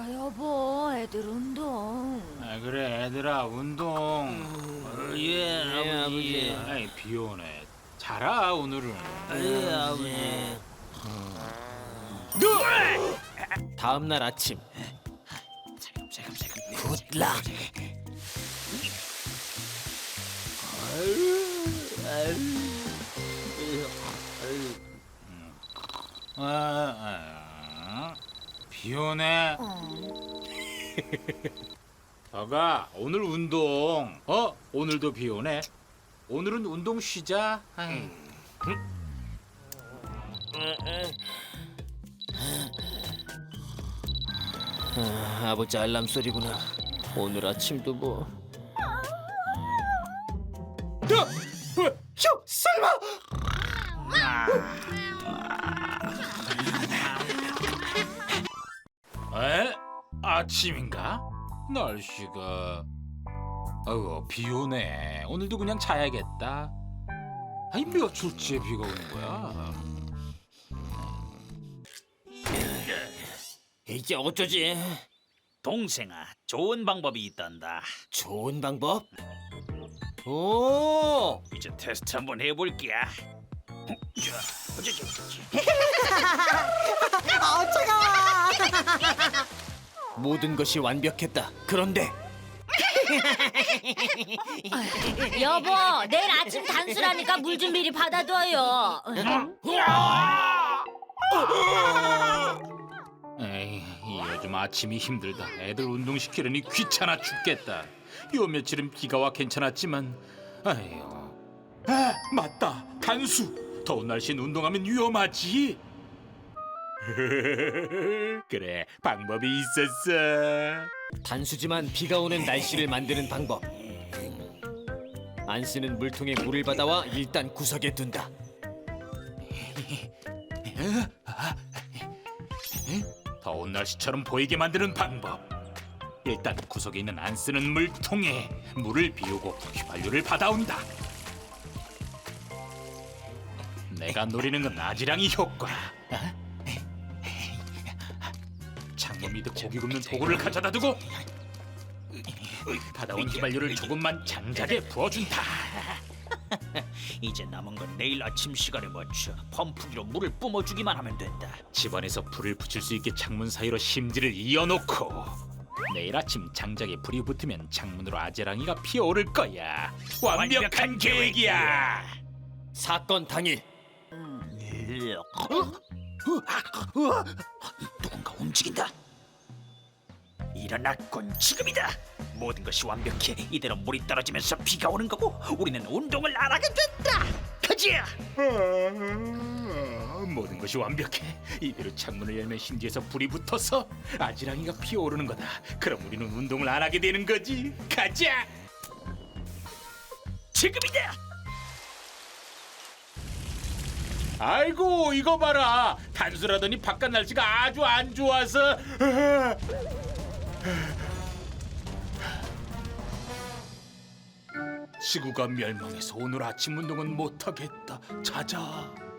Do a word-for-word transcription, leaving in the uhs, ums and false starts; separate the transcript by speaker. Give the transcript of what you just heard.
Speaker 1: 아, 여보, 애들 운동.
Speaker 2: 아, 그래 애들아 운동.
Speaker 3: 어, 예, 아버지.
Speaker 2: 아이 비 오네. 자라 오늘은.
Speaker 3: 예, 아버지.
Speaker 4: 다음 날 아침
Speaker 3: 굿락.
Speaker 2: 아, 아, 비 오네. 아가 오늘 운동. 어 오늘도 비 오네. 오늘은 운동 쉬자. 아이.
Speaker 4: 아, 아버지 알람 소리구나. 오늘 아침도 뭐
Speaker 2: 휴 설마. 에? 아침인가? 날씨가 아이고 비 오네. 오늘도 그냥 자야겠다. 아니 며칠째 비가 오는 거야.
Speaker 4: 이제 어쩌지?
Speaker 3: 동생아, 좋은 방법이 있단다.
Speaker 4: 좋은 방법? 오!
Speaker 3: 이제 테스트 한번 해볼게.
Speaker 4: 모든 것이 완벽했다. 그런데
Speaker 1: 여보, 내일 아침 단수라니까 물 좀 미리 받아둬요.
Speaker 2: 에이 요즘 아침이 힘들다. 애들 운동시키려니 귀찮아 죽겠다. 요 며칠은 비가 와 괜찮았지만 아유. 아 맞다 단수. 더운 날씨엔 운동하면 위험하지. 그래 방법이 있었어.
Speaker 4: 단수지만 비가 오는 날씨를 만드는 방법. 안 쓰는 물통에 물을 받아와 일단 구석에 둔다.
Speaker 2: 더운 날씨처럼 보이게 만드는 방법. 일단 구석에 있는 안 쓰는 물통에 물을 비우고 휘발유를 받아온다. 내가 노리는 건 아지랑이 효과. 창문 밑에 고기 굽는 도구를 가져다 두고 받아온 휘발유를 조금만 장작에 부어준다.
Speaker 3: 이제 남은 건 내일 아침 시간에 맞춰 펌프기로 물을 뿜어주기만 하면 된다.
Speaker 2: 집안에서 불을 붙일 수 있게 창문 사이로 심지를 이어놓고 내일 아침 장작에 불이 붙으면 창문으로 아지랑이가 피어오를 거야. 완벽한 계획이야.
Speaker 4: 사건 당일
Speaker 3: 누군가 움직인다. 일어났군. 지금이다. 모든 것이 완벽해. 이대로 물이 떨어지면서 비가 오는 거고 우리는 운동을 안 하게 된다. 가자.
Speaker 2: 아, 모든 것이 완벽해. 이대로 창문을 열면 심지에서 불이 붙어서 아지랑이가 피어오르는 거다. 그럼 우리는 운동을 안 하게 되는 거지. 가자.
Speaker 3: 지금이다.
Speaker 2: 아이고 이거 봐라. 단수라더니 바깥 날씨가 아주 안 좋아서 지구가 멸망해서 오늘 아침 운동은 못하겠다. 자자.